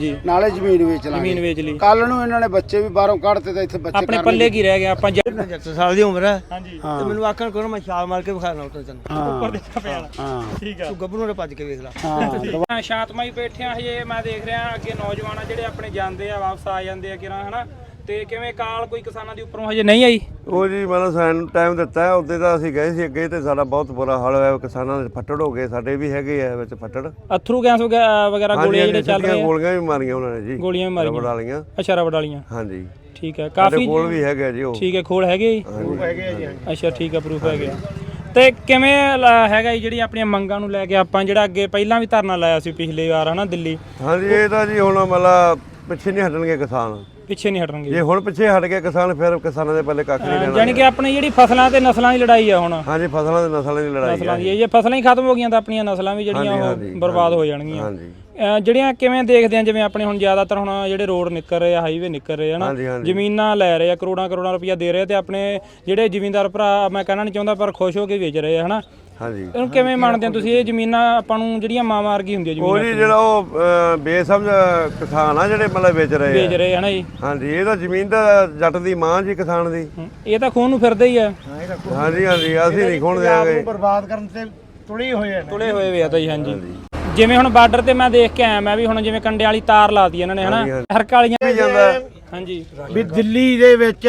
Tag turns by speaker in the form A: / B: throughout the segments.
A: ਨਾਲੇ ਜ਼ਮੀਨ ਵੇਚ ਲਾਂਗੇ।
B: ਜ਼ਮੀਨ ਵੇਚ ਲਈ
A: ਕੱਲ ਨੂੰ ਇਹਨਾਂ ਨੇ ਬੱਚੇ ਵੀ ਬਾਹਰੋਂ ਕੱਢਤੇ ਤਾਂ ਇੱਥੇ ਬੱਚੇ
B: ਆਪਣੇ ਪੱਲੇ ਕੀ ਰਹਿ ਗਿਆ। ਆਪਾਂ
C: 75 ਸਾਲ ਦੀ ਉਮਰ ਹੈ
B: ਹਾਂਜੀ
C: ਤੇ ਮੈਨੂੰ ਆਖਣ ਕਰੋ ਮੈਂ ਛਾਲ ਮਾਰ ਕੇ ਵਿਖਾਣਾ ਉੱਤੇ ਤੈਨੂੰ
B: ਉੱਪਰ ਦੇਖਾ ਪਿਆ ਠੀਕ ਆ।
C: ਤੂੰ ਗੱਭਰੂ ਨੇ ਭੱਜ ਕੇ ਵੇਖ ਲੈ।
B: ਹਾਂ ਸ਼ਾਂਤਮਈ ਬੈਠੇ ਆ ਹਜੇ। ਮੈਂ ਦੇਖ ਰਿਹਾ ਅੱਗੇ ਨੌਜਵਾਨ ਆ ਜਿਹੜੇ ਆਪਣੇ ਜਾਂਦੇ ਆ ਵਾਪਸ ਆ ਜਾਂਦੇ ਆ ਕਿਰਾਂ ਹਨਾ। ਤੇ ਕਿਵੇਂ ਕਾਲ ਕੋਈ ਕਿਸਾਨਾਂ ਦੀ ਉੱਪਰੋਂ ਹਜੇ ਨਹੀਂ ਆਈ?
D: ਉਹ ਜੀ ਮਤਲਬ ਸਾਨੂੰ ਟਾਈਮ ਦਿੱਤਾ ਹੈ। ਉੱਤੇ ਤਾਂ ਅਸੀਂ ਗਏ ਸੀ ਅੱਗੇ ਤੇ ਸਾਡਾ ਬਹੁਤ ਬੁਰਾ ਹਾਲ ਹੋਇਆ। ਕਿਸਾਨਾਂ ਦੇ ਫੱਟੜ ਹੋ ਗਏ, ਸਾਡੇ ਵੀ ਹੈਗੇ ਆ ਵਿੱਚ ਫੱਟੜ।
B: ਅਥਰੂ ਗੈਸ ਵਗੈਰਾ ਗੋਲੀਆਂ ਜਿਹੜੇ ਚੱਲ ਰਹੇ ਆ?
D: ਗੋਲੀਆਂ ਵੀ ਮਾਰੀਆਂ ਉਹਨਾਂ ਨੇ ਜੀ।
B: ਗੋਲੀਆਂ ਵੀ ਮਾਰੀਆਂ
D: ਰਬੜ ਵਾਲੀਆਂ।
B: ਅੱਛਾ ਰਬੜ ਵਾਲੀਆਂ।
D: ਹਾਂਜੀ
B: ਠੀਕ ਹੈ ਕਾਫੀ
D: ਕੋਲ ਵੀ ਹੈਗੇ ਜੀ ਉਹ।
B: ਠੀਕ ਹੈ ਖੋਲ ਹੈਗੇ ਜੀ?
A: ਪ੍ਰੂਫ ਹੈਗੇ ਆ ਜੀ।
B: ਅੱਛਾ ਠੀਕ ਹੈ ਪ੍ਰੂਫ ਹੈਗੇ। ਤੇ ਕਿਵੇਂ ਹੈਗਾ ਜੀ ਜਿਹੜੀ ਆਪਣੀਆਂ ਮੰਗਾਂ ਨੂੰ ਲੈ ਕੇ ਆਪਾਂ ਜਿਹੜਾ ਅੱਗੇ ਪਹਿਲਾਂ ਵੀ ਧਰਨਾ ਲਾਇਆ ਸੀ ਪਿਛਲੀ ਵਾਰ ਹਨਾ ਦਿੱਲੀ?
D: ਹਾਂਜੀ ਇਹ ਤਾਂ ਜੀ ਹੁਣ ਮਤਲਬ ਪਿੱਛੇ ਨਹੀਂ ਹਟਣਗੇ ਕਿਸਾਨ।
B: ਪਿੱਛੇ ਨਹੀਂ ਹਟਣਗੇ
D: ਜੇ ਹੁਣ ਪਿੱਛੇ ਹਟ ਗਏ ਕਿਸਾਨ ਫਿਰ ਕਿਸਾਨਾਂ ਦੇ ਪੱਲੇ ਕੱਖ ਨਹੀਂ ਰਹਿਣਾ।
B: ਯਾਨੀ ਕਿ ਆਪਣੀ ਜਿਹੜੀ ਫਸਲਾਂ ਤੇ ਨਸਲਾਂ ਦੀ ਲੜਾਈ ਆ ਹੁਣ।
D: ਹਾਂਜੀ ਫਸਲਾਂ ਦੇ ਨਸਲਾਂ ਦੀ ਲੜਾਈ
B: ਨਸਲਾਂ ਦੀ ਜੇ ਫਸਲਾਂ ਹੀ ਖਤਮ ਹੋ ਗਈਆਂ ਤਾਂ ਆਪਣੀਆਂ ਨਸਲਾਂ ਵੀ ਜਿਹੜੀਆਂ ਉਹ ਬਰਬਾਦ ਹੋ ਜਾਣਗੀਆਂ।
D: ਹਾਂਜੀ
B: ਜਿਹੜੀਆਂ ਕਿਵੇਂ ਦੇਖਦੇ ਆ ਜਿਵੇਂ ਆਪਣੇ ਹੁਣ ਜ਼ਿਆਦਾਤਰ ਹੁਣ ਜਿਹੜੇ ਰੋਡ ਨਿਕਲ ਰਹੇ ਆ ਹਾਈਵੇ ਨਿਕਲ ਰਹੇ ਹਨਾ ਜ਼ਮੀਨਾਂ ਲੈ ਰਹੇ ਆ ਕਰੋੜਾਂ ਰੁਪਈਆ ਦੇ ਰਹੇ ਤੇ ਆਪਣੇ ਜਿਹੜੇ ਜ਼ਿਮੀਂਦਾਰ ਭਰਾ ਮੈਂ ਕਹਿਣਾ ਨਹੀਂ ਚਾਹੁੰਦਾ ਪਰ ਖੁਸ਼ ਹੋ ਕੇ ਵੇਚ ਰਹੇ ਆ ਹਨਾ।
D: ਹਾਂਜੀ
B: ਇਹਨੂੰ ਕਿਵੇਂ ਮੰਨਦੇ ਹੋ ਤੁਸੀਂ? ਇਹ ਜ਼ਮੀਨਾਂ ਆਪਾਂ ਨੂੰ ਜਿਹੜੀਆਂ ਮਾਂ ਮਾਰਗੀ ਹੁੰਦੀ ਆ ਜ਼ਮੀਨ
D: ਉਹ ਜੀ ਜਿਹੜਾ ਉਹ ਬੇਸਮਝ ਕਿਸਾਨ ਆ ਜਿਹੜੇ ਮਤਲਬ ਵੇਚ ਰਹੇ
B: ਹਨਾ ਜੀ।
D: ਹਾਂਜੀ ਇਹ ਤਾਂ ਜ਼ਮੀਨ ਤਾਂ ਜੱਟ ਦੀ ਮਾਂ ਜੀ ਕਿਸਾਨ ਦੀ।
B: ਇਹ ਤਾਂ ਖੂਨ ਨੂੰ ਫਿਰਦੇ ਹੀ ਆ।
D: ਹਾਂਜੀ ਹਾਂਜੀ ਅਸੀਂ ਨਹੀਂ ਖੋਣ ਦੇਾਂਗੇ।
A: ਬਰਬਾਦ ਕਰਨ ਤੇ ਤੁਲੇ
B: ਹੋਏ ਵੇ ਆ ਤਾਂ ਜੀ। ਹਾਂਜੀ ਜਿਵੇਂ ਹੁਣ ਬਾਰਡਰ ਤੇ ਮੈਂ ਦੇਖ ਕੇ ਆਇਆ ਮੈਂ ਵੀ ਹੁਣ ਜਿਵੇਂ ਕੰਡੇ ਵਾਲੀ ਤਾਰ ਲਾਤੀ ਇਹਨਾਂ ਨੇ ਹਨਾ ਹਰਕ ਵਾਲੀਆਂ
D: ਵੀ ਜਾਂਦਾ।
B: ਹਾਂਜੀ
A: ਵੀ ਦਿੱਲੀ ਦੇ ਵਿੱਚ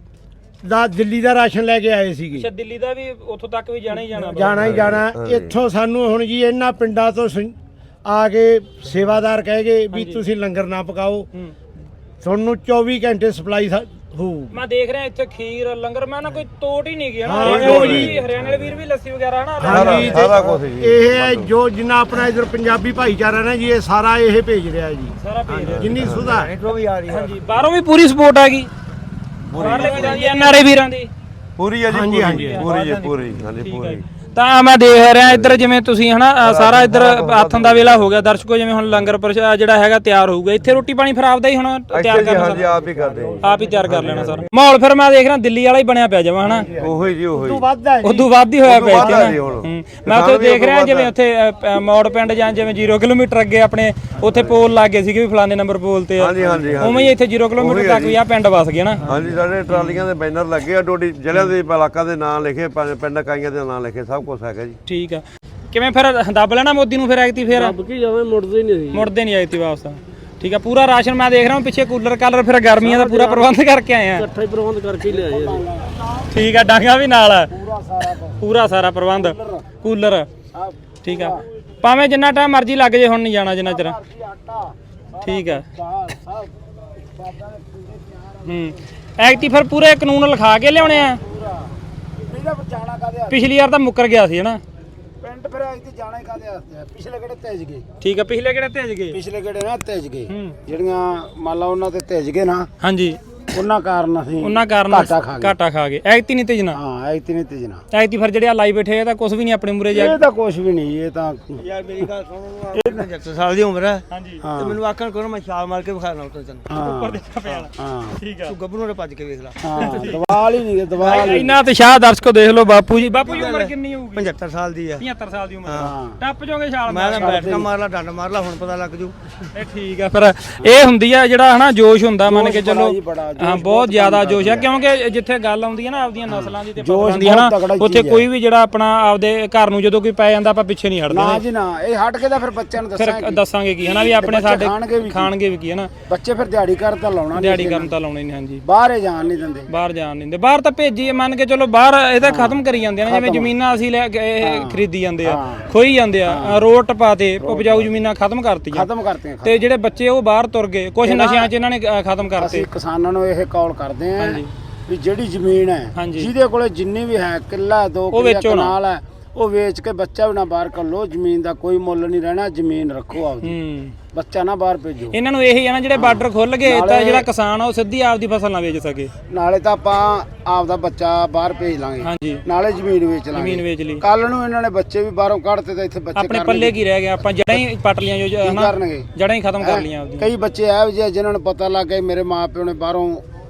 A: ਦਿੱਲੀ ਦਾ ਰਾਸ਼ਨ ਲੈ ਕੇ ਆਏ ਸੀਗੇ।
B: ਅੱਛਾ ਦਿੱਲੀ ਦਾ ਵੀ ਉੱਥੋਂ ਤੱਕ ਵੀ ਜਾਣਾ ਹੀ
A: ਜਾਣਾ ਇੱਥੋਂ ਸਾਨੂੰ ਹੁਣ ਜੀ ਇਹਨਾਂ ਪਿੰਡਾਂ ਤੋਂ ਆ ਕੇ ਸੇਵਾਦਾਰ ਕਹਿ ਗਏ ਵੀ ਤੁਸੀਂ ਲੰਗਰ ਨਾ ਪਕਾਓ ਤੁਹਾਨੂੰ 24 ਘੰਟੇ ਸਪਲਾਈ ਹੋਊ।
B: ਮੈਂ ਦੇਖ ਰਿਹਾ ਇੱਥੇ ਖੀਰ ਲੰਗਰ ਮੈਂ ਨਾ ਕੋਈ ਤੋਟ ਹੀ ਨਹੀਂ ਗਿਆ ਨਾ। ਹਰਿਆਣੇ ਵਾਲੇ ਵੀਰ ਵੀ ਲੱਸੀ ਵਗੈਰਾ ਹਨਾ
A: ਹਾਂਜੀ ਸਾਰਾ ਕੁਝ ਇਹ ਜੋ ਜਿੰਨਾ ਆਪਣਾ ਇਧਰ ਪੰਜਾਬੀ ਭਾਈਚਾਰਾ ਨਾ ਜੀ ਇਹ ਸਾਰਾ ਇਹ ਭੇਜ ਰਿਹਾ ਜੀ।
B: ਸਾਰਾ ਭੇਜ ਰਿਹਾ
A: ਜਿੰਨੀ ਸੁਧਾ
B: ਹਾਂਜੀ ਬਾਹਰੋਂ ਵੀ ਪੂਰੀ ਸਪੋਰਟ ਹੈਗੀ ਬਾਹਰਲੇ ਵੀਰਾਂ ਦੀ ਐਨਆਰਆਈ ਵੀਰਾਂ ਦੀ
D: ਪੂਰੀ ਹੈ ਜੀ ਪੂਰੀ ਪੂਰੀ ਜੀ ਪੂਰੀ ਹਾਂਜੀ ਪੂਰੀ।
B: ਤਾਂ ਮੈਂ ਦੇਖ ਰਿਹਾ ਇੱਧਰ ਜਿਵੇਂ ਤੁਸੀਂ ਹਨਾ ਸਾਰਾ ਇੱਧਰ ਆਥਣ ਦਾ ਵੇਲਾ ਹੋ ਗਿਆ ਦਰਸ਼ਕੋ ਜਿਵੇਂ ਹੁਣ ਲੰਗਰ ਜਿਹੜਾ ਹੈਗਾ ਤਿਆਰ ਹੋਊਗਾ ਇੱਥੇ ਰੋਟੀ ਪਾਣੀ ਫਿਰ ਆਪਦਾ ਹੀ ਹੁਣ ਤਿਆਰ ਕਰਨਾ
D: ਹਾਂਜੀ ਆਪ ਹੀ ਕਰਦੇ
B: ਆਪ ਹੀ ਤਿਆਰ ਕਰ ਲੈਣਾ ਸਰ। ਮਾਹੌਲ ਫਿਰ ਮੈਂ ਦੇਖ ਰਿਹਾ ਦਿੱਲੀ ਵਾਲਾ ਹੀ ਬਣਿਆ ਪਿਆ ਜਮਾ ਹਨਾ।
D: ਉਹੀ ਜੀ ਉਹੀ
B: ਉਦੋਂ ਵੱਧ ਹੀ ਹੋਇਆ ਪਿਆ ਮੈਂ ਉੱਥੇ ਦੇਖ ਰਿਹਾ ਜਿਵੇਂ ਉੱਥੇ ਮੌੜ ਪਿੰਡ ਜਾਂ ਜਿਵੇਂ 0 ਕਿਲੋਮੀਟਰ ਅੱਗੇ ਆਪਣੇ ਉੱਥੇ ਪੋਲ ਲੱਗ ਗਏ ਸੀਗੇ ਵੀ ਫਲਾਣੇ ਨੰਬਰ ਪੋਲ ਤੇ
D: ਹਾਂਜੀ ਹਾਂਜੀ
B: ਉਵੇਂ ਹੀ ਇੱਥੇ 0 ਕਿਲੋਮੀਟਰ ਤੱਕ ਵੀ ਆ ਪਿੰਡ ਵਸ ਗਏ ਨਾ।
D: ਹਾਂਜੀ ਸਾਡੇ ਟਰਾਲੀਆਂ ਦੇ ਬੈਨਰ ਲੱਗੇ ਆ ਡੋਡੀ ਜ਼ਿਲ੍ਹਿਆਂ ਦੇ ਇਲਾਕਾ ਦੇ ਨਾਂ ਲਿਖੇ ਪਿੰਡ ਇਕਾਈਆਂ ਦੇ ਨਾਂ ਲਿਖੇ ਸਭ ਕੁਝ ਹੈਗਾ ਜੀ।
B: ਠੀਕ ਆ ਕਿਵੇਂ ਫਿਰ ਦੱਬ ਲੈਣਾ ਮੋਦੀ ਨੂੰ ਫਿਰ ਐਕਤੀ ਫਿਰ
C: ਕੀ ਜਾਵੇਂ ਮੁੜਦੇ
B: ਨਹੀਂ ਐਕਤੀ ਵਾਪਸ। ਠੀਕ ਆ ਪੂਰਾ ਰਾਸ਼ਨ ਮੈਂ ਦੇਖ ਰਿਹਾ ਪਿੱਛੇ ਕੂਲਰ ਕਾਲਰ ਫਿਰ ਗਰਮੀਆਂ ਦਾ ਪੂਰਾ ਪ੍ਰਬੰਧ ਕਰਕੇ ਆਏ ਆ।
C: ਇਕੱਠਾ ਹੀ ਪ੍ਰਬੰਧ ਕਰਕੇ ਲਿਆਏ
B: ਠੀਕ ਆ ਡਾਂਗਾ ਵੀ ਨਾਲ ਪੂਰਾ ਸਾਰਾ ਪ੍ਰਬੰਧ ਕੂਲਰ। ਠੀਕ ਆ ਭਾਵੇਂ ਜਿੰਨਾ ਟਾਈਮ ਮਰਜ਼ੀ ਲੱਗ ਜੇ ਹੁਣ ਨਹੀਂ ਜਾਣਾ ਜਿੰਨਾ ਚਿਰ। ਠੀਕ ਆ ਐਕਟੀ ਫਿਰ ਪੂਰੇ ਕਾਨੂੰਨ ਲਿਖਾ ਕੇ ਲਿਆਉਣੇ ਆ। ਪਿਛਲੀ ਵਾਰ ਤਾਂ ਮੁੱਕਰ ਗਿਆ ਸੀ ਹਨਾ
A: ਪਿੰਡ ਫਿਰ ਇੱਥੇ ਜਾਣਾ ਹੀ ਕਾਹਦੇ ਵਾਸਤੇ ਪਿਛਲੇ ਕਿਹੜੇ ਤੇਜ ਗਏ।
B: ਠੀਕ ਆ ਪਿਛਲੇ ਕਿਹੜੇ ਤੇਜ ਗਏ?
A: ਪਿਛਲੇ ਕਿਹੜੇ ਨਾ ਤੇਜ ਗਏ ਜਿਹੜੀਆਂ ਮੰਨ ਲਾ ਉਹਨਾਂ ਤੇ ਤੇਜ ਗਏ ਨਾ।
B: ਹਾਂਜੀ
A: ਉਹਨਾਂ ਕਾਰਨ ਅਸੀਂ
B: ਘਾਟਾ ਖਾ ਗਏ ਐਕਤੀ ਨਹੀਂ ਤੇਜਣਾ।
A: ਹਾਂ ਐਕਤੀ ਨਹੀਂ ਤੇਜਣਾ
B: ਐਕਤੀ ਫਿਰ ਜਿਹੜੇ ਆ ਲਾਈ ਬੈਠੇ ਇਹ ਤਾਂ ਕੁਝ ਵੀ ਨਹੀਂ ਆਪਣੇ ਮੂਰੇ ਜਾ
A: ਇਹ ਤਾਂ ਕੁਝ ਵੀ ਨਹੀਂ ਇਹ ਤਾਂ
C: ਯਾਰ ਮੇਰੀ ਗੱਲ ਸੁਣੋ 75 ਸਾਲ ਦੀ ਉਮਰ ਹੈ
B: ਹਾਂਜੀ
C: ਤੇ ਮੈਨੂੰ ਆਖਣ ਕਰੋ ਮੈਂ ਛਾਲ ਮਾਰ ਕੇ ਵਿਖਾਣਾ ਉੱਤੇ ਤੈਨੂੰ
B: ਉੱਪਰ ਦੇਖਾ ਪਿਆ ਠੀਕ ਆ।
C: ਤੂੰ ਗੱਭਰੂ ਨੇ ਭੱਜ ਕੇ ਵੇਖ ਲੈ।
A: ਹਾਂ ਦਵਾਲ ਹੀ ਨਹੀਂ ਦਵਾਲ
B: ਇੰਨਾ ਤੇ ਸ਼ਾਹ ਦਰਸ਼ਕੋ ਦੇਖ ਲਓ ਬਾਪੂ ਜੀ ਉਮਰ ਕਿੰਨੀ ਹੋਊਗੀ?
C: 75 ਸਾਲ ਦੀ ਹੈ।
B: 75 ਸਾਲ ਦੀ ਉਮਰ ਟੱਪ ਜਾਓਗੇ ਛਾਲ
C: ਮੈਂ ਤਾਂ ਬੈਠਕਾ ਮਾਰ ਲਾ ਡੰਡ ਮਾਰ ਲਾ ਹੁਣ ਪਤਾ ਲੱਗ ਜੂ।
B: ਇਹ ਠੀਕ ਆ ਫਿਰ ਇਹ ਹੁੰਦੀ ਆ ਜਿਹੜਾ ਹਨਾ ਜੋਸ਼ ਹੁੰਦਾ ਮੰਨ ਕੇ ਚੱਲੋ ਹਾਂ ਬਹੁਤ ਜ਼ਿਆਦਾ ਜੋਸ਼ ਆ ਕਿਉਂਕਿ ਜਿੱਥੇ ਗੱਲ ਆਉਂਦੀ ਹੈ ਨਾ ਆਪਦੀਆਂ ਨਸਲਾਂ ਦੀ ਤੇ ਪੱਖਾਂ ਦੀ ਹਨਾ ਉੱਥੇ ਕੋਈ ਵੀ ਜਿਹੜਾ ਆਪਣਾ ਆਪਦੇ ਘਰ ਨੂੰ ਜਦੋਂ ਕੋਈ ਪੈ ਜਾਂਦਾ ਆਪਾਂ ਪਿੱਛੇ ਨਹੀਂ ਹਟਦੇ
A: ਨਾ ਜੀ ਨਾ ਇਹ ਹਟ ਕੇ ਤਾਂ ਫਿਰ ਬੱਚਿਆਂ ਨੂੰ
B: ਦੱਸਾਂਗੇ ਕੀ ਹਨਾ ਵੀ ਆਪਣੇ ਸਾਡੇ ਖਾਣਗੇ ਵੀ ਕੀ ਹਨਾ
A: ਬੱਚੇ ਫਿਰ ਦਿਹਾੜੀ ਕਰ ਤਾਂ ਲਾਉਣਾ
B: ਦਿਹਾੜੀ ਕਰਨ ਤਾਂ ਲਾਉਣੇ ਨਹੀਂ। ਹਾਂਜੀ
A: ਬਾਹਰ ਜਾਣ ਨਹੀਂ ਦਿੰਦੇ
B: ਬਾਹਰ ਜਾਣ ਨਹੀਂ ਦਿੰਦੇ ਬਾਹਰ ਤਾਂ ਭੇਜੀ ਮੰਨ ਕੇ ਚਲੋ ਬਾਹਰ ਇਹ ਤਾਂ ਖਤਮ ਕਰੀ ਜਾਂਦੇ ਨੇ ਜਿਵੇਂ ਜ਼ਮੀਨਾਂ ਅਸੀਂ ਲੈ ਕੇ ਖਰੀਦੀ ਜਾਂਦੇ ਆ ਖੋਈ ਜਾਂਦੇ ਆ ਰੋਡ ਟਪਾ ਤੇ ਉਪਜਾਊ ਜ਼ਮੀਨਾਂ ਖਤਮ ਕਰਤੀਆਂ ਤੇ ਜਿਹੜੇ ਬੱਚੇ ਉਹ ਬਾਹਰ ਤੁਰ ਗਏ ਕੁਝ ਨਸ਼ਿਆਂ 'ਚ ਇਹਨਾਂ ਨੇ ਖਤਮ ਕਰਤੇ।
A: ਅਸੀਂ ਕਿਸਾਨਾਂ ਨੂੰ ਇਹ ਕਾਲ ਕਰਦੇ ਆਂ ਵੀ ਜਿਹੜੀ ਜ਼ਮੀਨ ਹੈ ਜਿਹਦੇ ਕੋਲੇ ਜਿੰਨੀ ਵੀ ਹੈ ਕਿੱਲਾ 2 ਕਿੱਲਾ ਕਨਾਲ ਹੈ ਉਹ ਵੇਚ ਕੇ ਬੱਚਾ ਵੀ ਨਾ ਬਾਹਰ ਕਰ ਲੋ। ਜ਼ਮੀਨ ਦਾ ਕੋਈ ਮੁੱਲ ਨਹੀਂ ਰਹਿਣਾ ਜ਼ਮੀਨ ਰੱਖੋ ਆਪਦੀ ਬੱਚਾ ਨਾ ਬਾਹਰ ਭੇਜੋ।
B: ਇਹਨਾਂ ਨੂੰ ਇਹੀ ਆ ਨਾ ਜਿਹੜੇ ਬਾਰਡਰ ਖੁੱਲ ਗਏ ਤਾਂ ਜਿਹੜਾ ਕਿਸਾਨ ਆ ਉਹ ਸਿੱਧੀ ਆਪਦੀ ਫਸਲ ਨਾ ਵੇਚ ਸਕੇ।
A: ਨਾਲੇ ਤਾਂ ਆਪਾਂ ਆਪਦਾ ਬੱਚਾ ਬਾਹਰ ਭੇਜ ਲਾਂਗੇ ਨਾਲੇ ਜ਼ਮੀਨ ਵੇਚ
B: ਲਈ
A: ਕੱਲ ਨੂੰ ਇਹਨਾਂ ਨੇ ਬੱਚੇ ਵੀ ਬਾਹਰੋਂ ਕੱਢਤੇ ਤਾਂ ਇੱਥੇ ਬੱਚੇ
B: ਆਪਣੇ ਪੱਲੇ ਕੀ ਰਹਿ ਗਿਆ? ਆਪਾਂ ਜੜਾਂ ਹੀ ਪੱਟ ਲੀਆਂ ਜੋ
A: ਕਰਨਗੇ
B: ਜੜਾਂ ਹੀ ਖਤਮ ਕਰ ਲੀਆਂ ਆਪਦੀ।
A: ਕਈ ਬੱਚੇ ਇਹੋ ਜਿਹੇ ਜਿਨ੍ਹਾਂ ਨੂੰ ਪਤਾ ਲੱਗ ਗਿਆ ਮੇਰੇ ਮਾਪਿਓ ਨੇ ਬਾਹਰੋਂ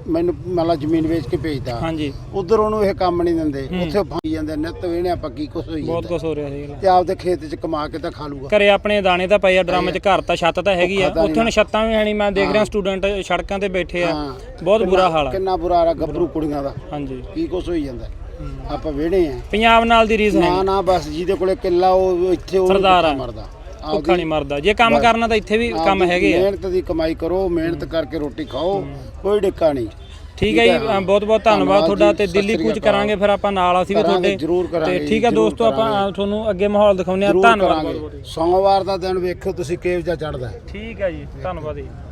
A: ਮੈਨੂੰ ਮੰਨ ਲਾ ਜ਼ਮੀਨ ਵੇਚ ਕੇ ਭੇਜਦਾ
B: ਹਾਂਜੀ
A: ਉਧਰ ਉਹਨੂੰ ਇਹ ਕੰਮ ਨਹੀਂ ਦਿੰਦੇ, ਉੱਥੇ ਫਾਈ ਜਾਂਦੇ ਨਿੱਤ ਵੇਣੇ ਆਪਾਂ ਕੀ ਕੁਛ ਹੋਈ
B: ਬਹੁਤ ਕੁਝ ਹੋ ਰਿਹਾ ਸੀ
A: ਤੇ ਆਪਦੇ ਖੇਤ 'ਚ ਕਮਾ ਕੇ ਤਾਂ ਖਾ ਲੂਗਾ।
B: ਘਰੇ ਆਪਣੇ ਦਾਣੇ ਤਾਂ ਪਏ ਆ ਡਰਮ 'ਚ, ਘਰ ਤਾਂ ਛੱਤ ਤਾਂ ਹੈਗੀ ਆ, ਉੱਥੇ ਹੁਣ ਛੱਤਾਂ ਵੀ ਹੈ ਨਹੀਂ। ਮੈਂ ਦੇਖ ਰਿਹਾ ਸਟੂਡੈਂਟ ਸੜਕਾਂ ਤੇ ਬੈਠੇ ਆ, ਬਹੁਤ ਬੁਰਾ ਹਾਲ ਆ।
A: ਕਿੰਨਾ ਬੁਰਾ ਹਾਲ ਆ ਗੱਭਰੂ ਕੁੜੀਆਂ ਦਾ,
B: ਹਾਂਜੀ
A: ਕੀ ਕੁਛ ਹੋਈ ਜਾਂਦਾ। ਆਪਾਂ ਵੇਣੇ ਆ
B: ਪੰਜਾਬ ਨਾਲ ਦੀ ਰੀਸ ਹੈ
A: ਨਾ ਬਸ ਜਿਹਦੇ ਕੋਲੇ ਕਿੱਲਾ ਉਹ ਇੱਥੇ ਉਹ
B: ਸਰਦਾਰ ਆ,
A: ਮਰਦਾ,
B: ਭੁੱਖਾ ਨਹੀਂ ਮਰਦਾ। ਜੇ ਕੰਮ ਕਰਨਾ ਤਾਂ ਇੱਥੇ ਵੀ ਕੰਮ ਹੈਗੇ ਆ।
A: ਮਿਹਨਤ ਦੀ ਕਮਾਈ ਕਰੋ, ਮਿਹਨਤ ਕਰਕੇ ਰੋਟੀ ਖਾਓ, ਕੋਈ ਡਿੱਕਾ ਨਹੀਂ।
B: ਠੀਕ ਹੈ ਜੀ, ਬਹੁਤ ਬਹੁਤ ਧੰਨਵਾਦ ਤੁਹਾਡਾ। ਤੇ ਦਿੱਲੀ ਕੂਚ ਕਰਾਂਗੇ ਫਿਰ ਆਪਾਂ ਨਾਲ, ਅਸੀਂ ਵੀ ਤੁਹਾਡੇ
A: ਜ਼ਰੂਰ ਕਰਾਂਗੇ।
B: ਤੇ ਠੀਕ ਹੈ ਦੋਸਤੋ, ਆਪਾਂ ਤੁਹਾਨੂੰ ਅੱਗੇ ਮਾਹੌਲ ਦਿਖਾਉਂਦੇ ਆ। ਧੰਨਵਾਦ।
A: ਸੋਮਵਾਰ ਦਾ ਦਿਨ ਵੇਖੋ ਤੁਸੀਂ ਕਿਹੋ ਜਿਹਾ ਚੜਦਾ।
B: ਠੀਕ ਹੈ ਜੀ, ਧੰਨਵਾਦ ਜੀ।